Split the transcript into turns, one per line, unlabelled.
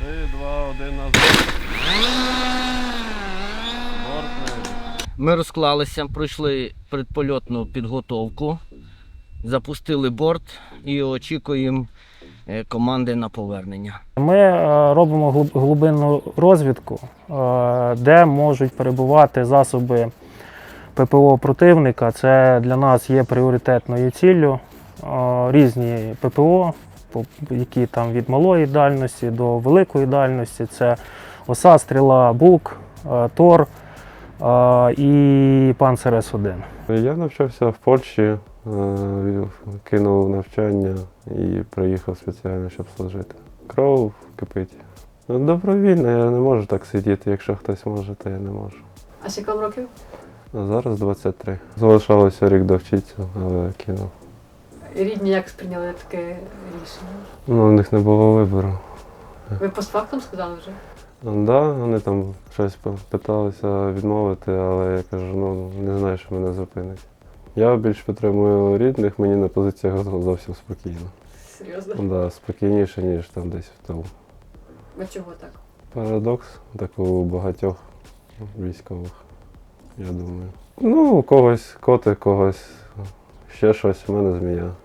3, 2, 1, назад. Борт небо.
Ми розклалися, пройшли предпольотну підготовку, запустили борт і очікуємо команди на повернення.
Ми робимо глибинну розвідку, де можуть перебувати засоби ППО противника. Це для нас є пріоритетною ціллю. Різні ППО, які там від малої дальності до великої дальності. Це ОСА, Стріла, Бук, Тор і Панцер С1.
Я навчався в Польщі, кинув навчання і приїхав спеціально, щоб служити. Кров кипить. Добровільно, я не можу так сидіти. Якщо хтось може, то я не можу.
А скільки вам років?
А зараз 23. Залишалося рік довчитися, але кинув.
І рідні як сприйняли таке рішення?
Ну, в них не було вибору.
Ви постфактум сказали вже?
Да, вони там щось питалися відмовити, але я кажу, ну не знаю, що мене зупинить. Я більш підтримую рідних, мені на позиціях зовсім спокійно.
Серйозно?
Да, спокійніше, ніж там десь в тому.
А чого так?
Парадокс такий у багатьох військових, я думаю. Ну, у когось котик, когось ще щось, у мене змія.